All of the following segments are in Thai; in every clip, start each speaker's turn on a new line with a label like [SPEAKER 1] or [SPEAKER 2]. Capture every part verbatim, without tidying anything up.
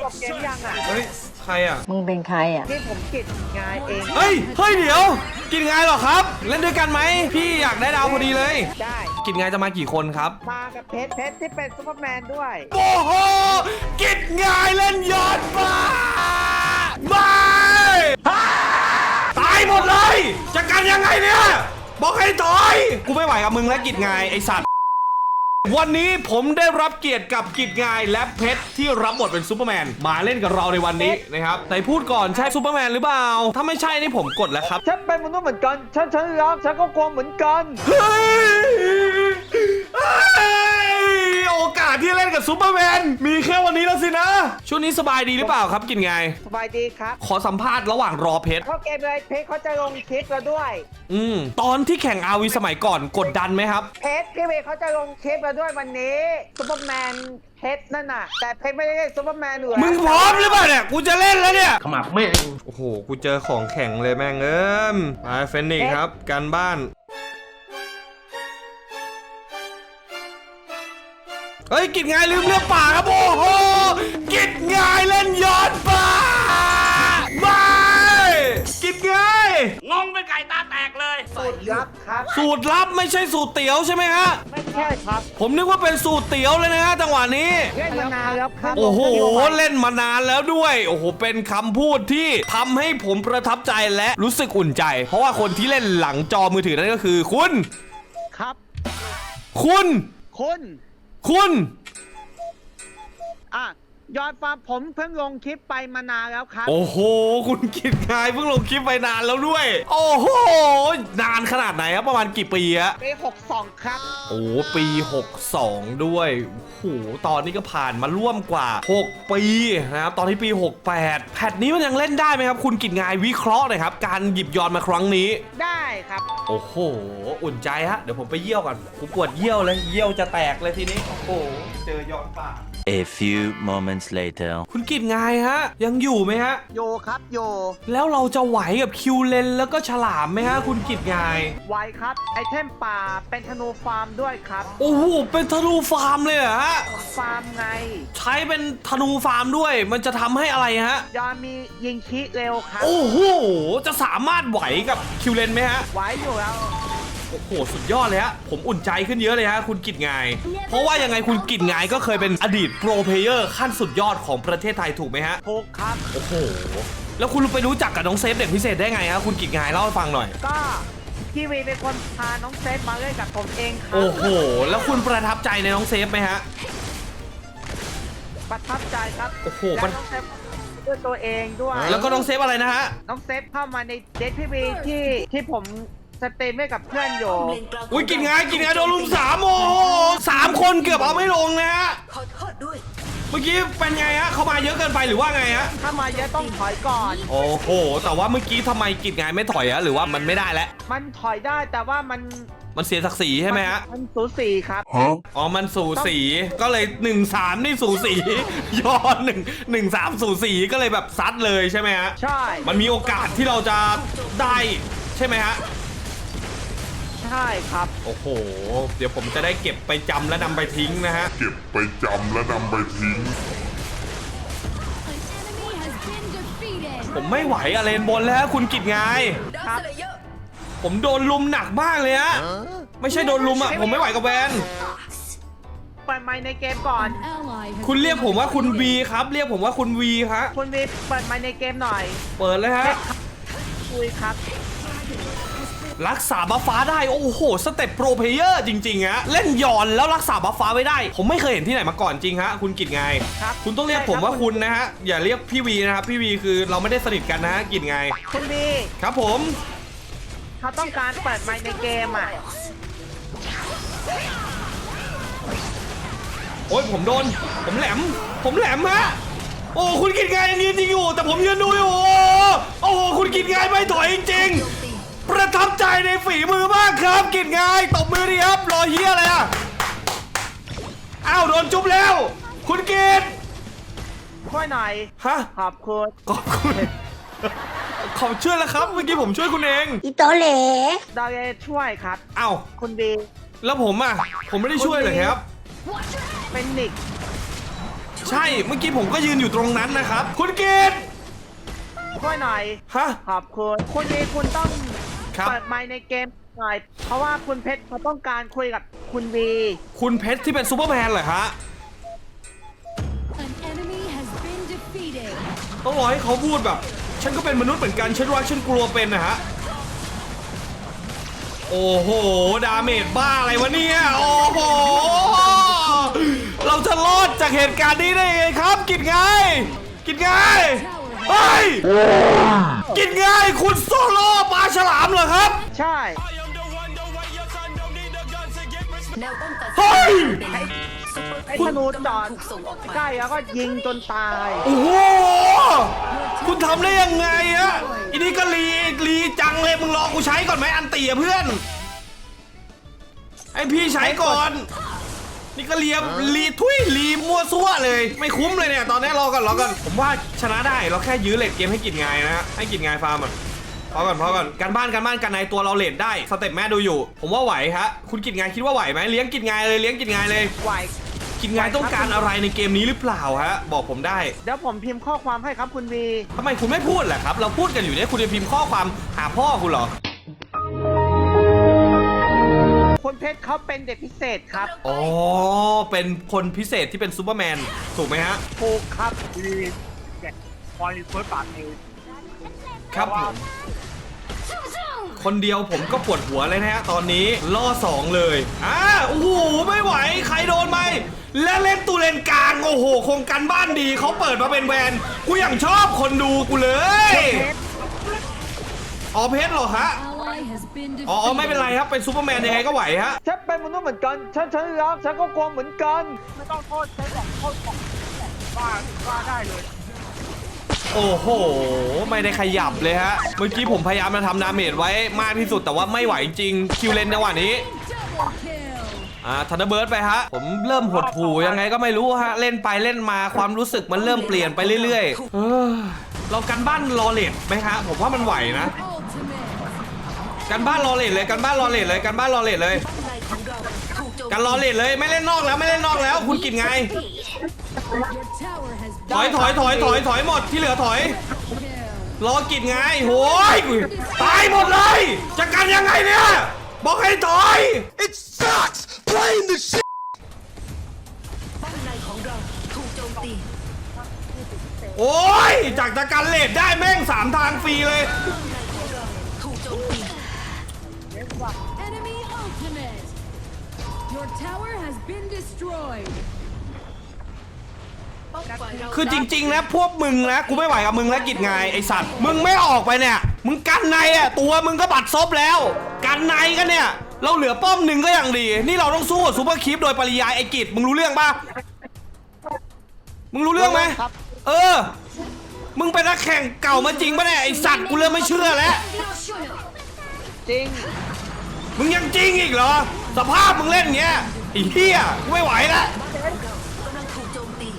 [SPEAKER 1] จบเกมยังอ่ะ
[SPEAKER 2] เฮ้ยใครอ่ะ
[SPEAKER 3] มึงเป็นใครอ่ะ
[SPEAKER 1] นี่ผมกิดงานเอง
[SPEAKER 2] เฮ้ยเฮ้ยเดี๋ยวกินไงเหรอครับ เล่นด้วยกันไหมพี่อยากได้ดาวพอดีเลย
[SPEAKER 1] ได้
[SPEAKER 2] กินไงจะมากี่คนครับ
[SPEAKER 1] มากับเพชรเพชรที่เป็นซูเปอร์แมนด้วย
[SPEAKER 2] โอ้โหกินไงเล่นยอดฟ้าไม่ตายหมดเลยจะกันยังไงเนี่ยบอกให้ถอยกูไม่ไหวกับมึงและกิจไงไอสัตว์วันนี้ผมได้รับเกียรติกับกิจงายและเพชรที่รับบทเป็นซูเปอร์แมนมาเล่นกับเราในวันนี้นะครับแต่พูดก่อนใช่ซูเปอร์แมนหรือเปล่าถ้าไม่ใช่นี่ผมกดแล้วครับ
[SPEAKER 1] ฉันเป็นมนุษย์เหมือนกัน ฉันฉันรักฉันก็กลัวเหมือนกัน
[SPEAKER 2] เฮ้ยเฮ้ยโอกาสที่เล่นกับซูเปอร์แมนมีแค่วันนี้แล้วสินะช่วงนี้สบายดีหรือเปล่าครับกิจงาย
[SPEAKER 1] สบายดีครับ
[SPEAKER 2] ขอสัมภาษณ์ระหว่างรอเพชร
[SPEAKER 1] เข้าเกมเลยเพชรเขาจะลงคลิปเราด้วย
[SPEAKER 2] อืมตอนที่แข่งอาวีสมัยก่อนกดดันไหมครับ
[SPEAKER 1] เพชรพี่เวย์เขาจะลงคลิปเราด้วยวันนี้ซูเปอร์แมนเพชรนั่นน่ะ แต่เพชรไม่ได้เล่นซูเปอร์แมนอยู่แล้ว
[SPEAKER 2] มึงพร้อมหรือเปล่าเนี่ยกูจะเล่นแล้วเนี่ย
[SPEAKER 4] ขมักแม่ง
[SPEAKER 2] โอ้โหกูเจอของแข็งเลยแม่งเอิมไปเฟนนิกครับการบ้านเฮ้ยกิจงายลืมเรื่องป่าครับโอ้โหกิจงายเล่นย้อนป่าไม่กิจงาย
[SPEAKER 4] งงเป็นไก่ตาแตกเลย
[SPEAKER 1] สูตรลับครับ
[SPEAKER 2] สูตรลับไม่ใช่สูตรเตี๋ยวใช่ไหมฮะ
[SPEAKER 1] ไม่ใช่ครับ
[SPEAKER 2] ผมนึกว่าเป็นสูตรเตี๋ยวเลยนะฮะจังหวะนี้
[SPEAKER 1] เล่นมานานแล้วครับ
[SPEAKER 2] โอ้โหเล่นมานานแล้วด้วยโอ้โหเป็นคำพูดที่ทำให้ผมประทับใจและรู้สึกอุ่นใจ เพราะว่าคนที่เล่นหลังจอมือถือนั่นก็คือคุณ
[SPEAKER 1] ครับ
[SPEAKER 2] คุณ
[SPEAKER 1] คุณ
[SPEAKER 2] คุณ
[SPEAKER 1] อ่ะยอดฟาร์มผมเพิ่งลงคลิปไปมานานแล้วครับ
[SPEAKER 2] โอ้โหคุณกิจงายเพิ่งลงคลิปไปนานแล้วด้วย โอ้โหนานขนาดไหนครับประมาณกี่ปีอะ
[SPEAKER 1] ปีหกสองครับ
[SPEAKER 2] โอ้ปีหกสองด้วยโอ้โหตอนนี้ก็ผ่านมาร่วมกว่าหกปีนะครับตอนที่ปีหกแปดแพทนี้มันยังเล่นได้ไหมครับคุณกิจงายวิเคราะห์หน่อยครับการหยิบยอนมาครั้งนี้
[SPEAKER 1] ได้ครับ
[SPEAKER 2] โอ้โหอุ่นใจฮะเดี๋ยวผมไปเยี่ยวก่อนผมปวดเยี่ยวเลยเยี่ยวจะแตกเลยทีนี้โอ้โหเจอยอนป่า
[SPEAKER 5] A few moments later
[SPEAKER 2] คุณกิจงายฮะยังอยู่ไหมฮะ
[SPEAKER 1] โยครับโย
[SPEAKER 2] แล้วเราจะไหวกับคิวเลนแล้วก็ฉลามไหมฮะคุณกิจงาย
[SPEAKER 1] ไวครับ ไอเทมป่าเป็นธนูฟาร์มด้วยครับ
[SPEAKER 2] โอ้โหเป็นธนูฟาร์มเลยเหรอฮะ
[SPEAKER 1] ฟาร์มไง
[SPEAKER 2] ใช้เป็นธนูฟาร์มด้วย มันจะทำให้อะไรฮะ
[SPEAKER 1] ยอนมียิงคิเร็วครับ
[SPEAKER 2] โอ้โหจะสามารถไหวกับคิวเลนไหมฮะ
[SPEAKER 1] ไว้อยู่แล้ว
[SPEAKER 2] โอ้โหสุดยอดเลยฮะผมอุ่นใจขึ้นเยอะเลยฮะคุณกิจงาย เพราะว่ายังไงคุณกิจงายก็เคยเป็นอดีตโปรเพลเยอร์ขั้นสุดยอดของประเทศไทยถูกไหมฮะ
[SPEAKER 1] ถูกครับ
[SPEAKER 2] โอ้โห แล้วคุณไปรู้จักกับน้องเซฟเด็กพิเศษได้ไงฮะคุณกิจงายเล่าให้ฟังหน่อย
[SPEAKER 1] ก็พี่วีเป็นคนพาน้องเซฟมาเล่นกับผมเองครั
[SPEAKER 2] โอ้โห แล้วคุณประทับใจในน้องเซฟไหมฮะ
[SPEAKER 1] ประทับใจครับ
[SPEAKER 2] โอ้โห
[SPEAKER 1] และน้องเซฟด้วยตัวเองด้วย
[SPEAKER 2] แล้วก็น้องเซฟอะไรนะฮะ
[SPEAKER 1] น้องเซฟเข้ามาในเดทพี่วีที่ที่ผมสเตรีมให้กับเพื่อนอยู่
[SPEAKER 2] อุ้ยกินงายกินงายโดนลุมสามโอ้โหสามคนเกือบเอาไม่ลงนะฮะ
[SPEAKER 3] ขอโทษด้วย
[SPEAKER 2] เมื่อกี้เป็นไงฮะ เขามาเยอะเกินไปหรือว่าไงฮะ
[SPEAKER 1] ถ้ามาเยอะต้องถอยก่อน
[SPEAKER 2] โอ้โห แต่ว่าเมื่อกี้ทำไมกิจงายไม่ถอยอะหรือว่ามันไม่ได้แล้ว
[SPEAKER 1] มันถอยได้แต่ว่ามัน
[SPEAKER 2] มันเสียศักดิ์ศรีใช่ไหมฮะ
[SPEAKER 1] มันสูสีครับ
[SPEAKER 2] อ๋อ มันสูสี ก็เลยหนึ่งสามนี่สูสี ย้อนหนึ่งหนึ่งสามสูสีก็เลยแบบซัดเลยใช่ไหมฮะ
[SPEAKER 1] ใช่
[SPEAKER 2] มันมีโอกาสที่เราจะได้ใช่ไหมฮะ
[SPEAKER 1] ใช่ครับ
[SPEAKER 2] โอ้โห เดี๋ยวผมจะได้เก็บไปจำและนำไปทิ้งนะฮะ
[SPEAKER 6] เก็บไปจำและนำไปทิ้ง
[SPEAKER 2] ผมไม่ไหวอะเลนบนแล้วคุณกิจงาย
[SPEAKER 1] ครับ
[SPEAKER 2] ผมโดนลุมหนักมากเลยฮะ ไม่ใช่โดนลุมอะผมไม่ไหวกับแวน
[SPEAKER 1] เปิดไมค์ในเกมก่อน
[SPEAKER 2] คุณเรียกผมว่าคุณวีครับ เรียกผมว่าคุณวีครับ
[SPEAKER 1] คุณวีเปิดไมค์ในเกมหน่อย
[SPEAKER 2] เปิดเลยฮะ
[SPEAKER 1] คุยครับ
[SPEAKER 2] รักษาบัฟฟ้าได้ โอ้โห สเต็ปโปรเพลเยอร์จริงๆฮะ เล่นหย่อนแล้วรักษาบัฟฟ้าไว้ได้ ผมไม่เคยเห็นที่ไหนมาก่อนจริงฮะ คุณกิจไง
[SPEAKER 1] ครับ
[SPEAKER 2] คุณต้องเรียกผมว่าคุณนะฮะ อย่าเรียกพี่วีนะครับ พี่วีคือเราไม่ได้สนิทกันนะฮะ กิจไง
[SPEAKER 1] คุณวี
[SPEAKER 2] ครับผม
[SPEAKER 1] เขาต้องการเปิดไมค์ในเกมอ่ะ
[SPEAKER 2] โอ้ยผมโดน ผมแหลม ผมแหลมฮะ โอ้คุณกิจไงยังยืนจริงอยู่ แต่ผมยืนดูอยู่ โอ้โหคุณกิจไงไม่ถอยจริงๆประทับใจในฝีมือมากครับ กิจไงตบมือดีครับ รอเฮียอะไรอ่ะ อ้าวโดนจุ๊บแล้ว คุณกิจ
[SPEAKER 1] ช่วยหน่อย
[SPEAKER 2] ฮะ
[SPEAKER 1] ขอบคุณ
[SPEAKER 2] ขอบคุณ ขอบช่วยแล้วครับ เมื่อกี้ผมช่วยคุณเอง
[SPEAKER 3] อีโตเหล
[SPEAKER 1] ดาวเยช่วยครับ
[SPEAKER 2] อ้าว
[SPEAKER 1] คุณวี
[SPEAKER 2] แล้วผมอ่ะ ผมไม่ได้ช่วยเลยครับ
[SPEAKER 1] เป็นนิก
[SPEAKER 2] ใช่เมื่อกี้ผมก็ยืนอยู่ตรงนั้นนะครับ คุณเกต
[SPEAKER 1] ช่วยหน่อย
[SPEAKER 2] ฮะ
[SPEAKER 1] ขอบคุณคุณวีคุณต้อง
[SPEAKER 2] ครับ
[SPEAKER 1] เปิดไมค์ในเกมหน่อยเพราะว่าคุณเพชรเขาต้องการคุยกับคุณวี
[SPEAKER 2] คุณเพชรที่เป็นซูเปอร์แมนเหรอฮะ
[SPEAKER 3] An enemy has been defeated.
[SPEAKER 2] ต้องรอให้เขาพูดแบบ ฉันก็เป็นมนุษย์เหมือนกันฉันรักฉันกลัวเป็นนะฮะโอ้โหดาเมจบ้าอะไรวะเนี่ยโอ้โหเราจะรอดจากเหตุการณ์นี้ได้ยังไงครับ กินไงกินไงเฮ้ยกินไงคุณโซโล่ปลาฉลามเหรอครับ
[SPEAKER 1] ใช่
[SPEAKER 7] แนวป้องกัน
[SPEAKER 2] เฮ้ย
[SPEAKER 1] ไอ้ธนูจอดใกล้แล้วก็ยิงจนตาย
[SPEAKER 2] โอ้โหคุณทำได้ยังไงอะอันนี้ก็รีรีจังเลยมึงรอกูใช้ก่อนไหมอันตีอะเพื่อนไอพี่ใช้ก่อน นี่ก็เลียรีทุยรีมั่วซั่วเลย ไม่คุ้มเลยเนี่ยตอนนี้รอก่อนรอก่อนผมว่าชนะได้เราแค่ยื้อเลดเกมให้กินไงนะฮะให้กินไงฟาร์มอ่ะพอก่อนพอก่อนการบ้านการบ้านการในตัวเราเลดได้สเต็ปแม่ดูอยู่ ผมว่าไหวฮะคุณกินไงคิดว่าไหวไหมเลี้ยงกินไงเลยเลี้ยงกินไงเลย
[SPEAKER 1] ไหว
[SPEAKER 2] กินไงต้องการอะไรในเกมนี้หรือเปล่าฮะบอกผมได้
[SPEAKER 1] เดี๋ยวผมพิมพ์ข้อความให้ครับคุณวี
[SPEAKER 2] ทำไมคุณไม่พูดล่ะครับ เราพูดกันอยู่เนี่ยคุณจะพิมพ์ข้อความหาพ่อคุณเหรอ
[SPEAKER 1] คุณเพชรเขาเป็นเด็กพิเศษครับ
[SPEAKER 2] อ๋อเป็นคนพิเศษที่เป็นซูเปอร์แมนถูกไหมฮะ
[SPEAKER 1] ถูกครับ
[SPEAKER 4] คอยเฟิร์สปาร์ตเอง
[SPEAKER 2] ครับผมคนเดียวผมก็ปวดหัวเลยนะฮะตอนนี้ล่อสองเลยอ่าโอ้โหไม่ไหวใครโดนไหมและเล่นตูเลนกลางโอ้โหโครงการบ้านดีเขาเปิดมาเป็นแวนกูอย่างชอบคนดูกูเลยอ๋อเพชรเหรอฮะ
[SPEAKER 3] Ally has been
[SPEAKER 2] อ๋อไม่เป็นไร
[SPEAKER 3] defeated.
[SPEAKER 2] ครับเป็นซูเปอร์แมนยังไงก็ไหวฮะ
[SPEAKER 1] ฉันเป็นมนุษย์เหมือนกัน ฉันฉันรักฉันก็กลัวเหมือนกัน
[SPEAKER 4] ไม่ต้องโทษใช้ของโทษของว่าว่าได้เลย
[SPEAKER 2] โอ้โหไม่ได้ขยับเลยฮะเมื่อกี้ผมพยายามจะทำดาเมจไว้มากที่สุดแต่ว่าไม่ไหวจริงคิวเลนจังหวะนี้
[SPEAKER 3] Double kill.
[SPEAKER 2] อ่าทันเดอร์เบิร์ดไปฮะผมเริ่มหดหู่ยังไงก็ไม่รู้ฮะเล่นไปเล่นมาความรู้สึกมันเริ่มเปลี่ยนไปเรื่อยๆเออเรากันบ้านรอเลดไหมฮะผมว่ามันไหวนะ
[SPEAKER 3] Ultimate.
[SPEAKER 2] กันบ้านรอเลดเลยกันบ้านรอเลดเลยกันบ้านรอเลดเลย
[SPEAKER 7] ในของเราถูกโจม
[SPEAKER 2] กันรอเลดเลยไม่เล่นนอกแล้วไม่เล่นนอกแล้ว คุณกินไง
[SPEAKER 3] Your tower has
[SPEAKER 2] ถอย
[SPEAKER 3] been
[SPEAKER 2] ถอยถอยถอยถอยหมดที่เหลือถอย
[SPEAKER 3] killed.
[SPEAKER 2] รอกินไงโหยตายหมดเลยจะกันยังไงเนี่ยบอกให้ถอย
[SPEAKER 6] It sucks playing the shit
[SPEAKER 7] ป้องในของเราถูกโจมตี
[SPEAKER 2] โอ้ยจากตะกันเลดได้แม่งสามทางฟรีเลย
[SPEAKER 7] ป้องในของเราถูกโจมตี
[SPEAKER 3] Enemy ultimate. Your tower has been destroyed.
[SPEAKER 7] ป้องฝ่ายเรา
[SPEAKER 2] คือจริงๆนะพวกมึงนะกูไม่ไหวกับมึงแล้วกิจไงไอสัตว์มึงไม่ออกไปเนี่ยมึงกันในอ่ะตัวมึงก็บัดซบแล้วกันในกันเนี่ยเราเหลือป้อมหนึ่งก็ยังดี นี่เราต้องสู้กับซูเปอร์คลิปโดยปริยายไอกิจมึงรู้เรื่องปะมึงรู้เรื่องไหม
[SPEAKER 1] ครับ
[SPEAKER 2] เออมึงเป็นนักแข่งเก่ามาจริงปะเนี่ยไอสัตว์กูเริ่มไม่เชื่อแล้ว
[SPEAKER 1] จริง
[SPEAKER 2] มึงยังจริงอีกเหรอสภาพมึงเล่นอย่างเงี้ยไอ้เหี้ยกูไม่ไหวแล้ว
[SPEAKER 7] กำลังถูกโจมตี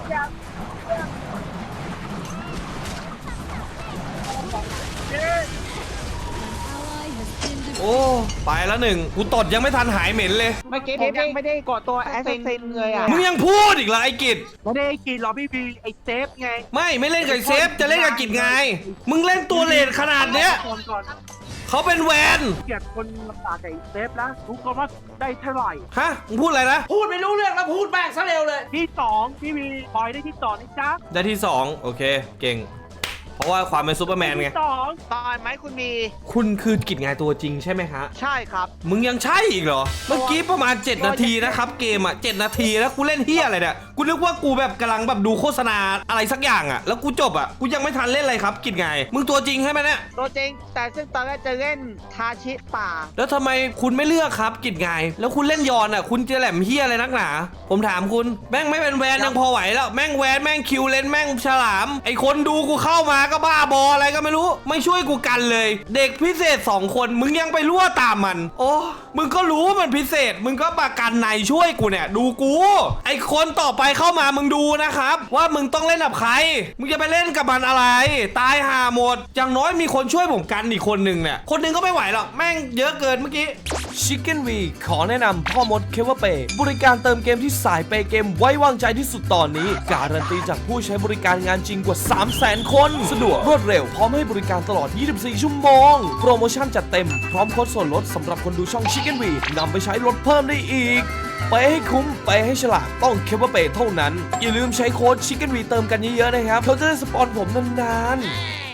[SPEAKER 3] Ally has been defeated.
[SPEAKER 2] โอ้ไปแล้วหนึ่งกูตดยังไม่ทันหายเหม็นเลย
[SPEAKER 1] เมื่อกี้ผมยังไม่ได้กดตัวแอสเซนเลยอ่ะ
[SPEAKER 2] มึงยังพูดอีกเหรอไอ้กิจ
[SPEAKER 4] ไม่ได้กินหรอพี่บีไอเซฟไง
[SPEAKER 2] ไม่ไม่เล่นกับเซฟจะเล่นกับกิจไง มึงเล่นตัวเลนขนาดเนี้ย
[SPEAKER 4] ก่อนก่อน
[SPEAKER 2] เขาเป็นแวน
[SPEAKER 4] เกลียดคนลำบากกับไอเซฟนะรู้ก่อนว่าได้เท่าไหร่
[SPEAKER 2] ฮะมึงพูดอะไรนะ
[SPEAKER 4] พูดไม่รู้เรื่องแล้วพูดแบกซะเร็วเลย ที่สองพี่บีปล่อยได้ที่สองนะจ๊ะ
[SPEAKER 2] ได้ที่สองโอเคเก่ง เพราะว่าความเป็นซูเปอร์แมนไง
[SPEAKER 4] ที่สอง
[SPEAKER 1] ตายไหมคุณมี
[SPEAKER 2] คุณคือกิจไงตัวจริงใช่ไหมฮะ
[SPEAKER 1] ใช่ครับ
[SPEAKER 2] มึงยังใช่อีกเหรอ เมื่อกี้ประมาณ เจ็ด นาทีนะครับเกมอ่ะเจ็ดนาทีแล้วกูเล่นเฮียอะไรเนี่ยกูนึกว่ากูแบบกำลังแบบดูโฆษณาอะไรสักอย่างอ่ะแล้วกูจบอ่ะกูยังไม่ทันเล่นอะไรครับกิจไงมึงตัวจริงใช่ไหมเนี่ย
[SPEAKER 1] ตัวจริง แต่ซึ่งตอนแรกจะเล่นทาชิป่า
[SPEAKER 2] แล้วทำไมคุณไม่เลือกครับกิจไงแล้วคุณเล่นยอนอ่ะคุณจะแหลมเฮียอะไรนักหนาผมถามคุณแม่งไม่เป็นแวนยังพอไหวแล้วแม่งแวนแม่งคิวเลนแม่งฉลามไอคนดูกูเข้ามาก็บ้าบออะไรก็ไม่รู้ไม่ช่วยกูกันเลย เด็กพิเศษสองคนมึงยังไปรั่วตามมันโอ้มึงก็รู้ว่ามันพิเศษมึงก็ประกันในช่วยกูเนี่ยดูกูไอคนต่อไปเข้ามามึงดูนะครับว่ามึงต้องเล่นกับใครมึงจะไปเล่นกับมันอะไรตายห่าหมดอย่างน้อยมีคนช่วยผมกันอีกคนหนึ่งเนี่ยคนหนึ่งก็ไม่ไหวหรอกแม่งเยอะเกินเมื่อกี้ Chicken V ขอแนะนำพ่อมดเคเวอร์เปย์บริการเติมเกมที่สายเปย์เกมไว้วางใจที่สุดตอนนี้การันตีจากผู้ใช้บริการงานจริงกว่า สามแสน คนสะดวกรวดเร็วพร้อมให้บริการตลอด ยี่สิบสี่ ชั่วโมงโปรโมชั่นจัดเต็มพร้อมโค้ดส่วนลดสำหรับคนดูช่อง Chicken V นำไปใช้ลดเพิ่มได้อีกไปให้คุ้มไปให้ฉลาดต้องเคเวอร์เปย์เท่านั้นอย่าลืมใช้โค้ด Chicken V เติมกันเยอะๆนะครับเขาจะได้สปอนผมนานๆ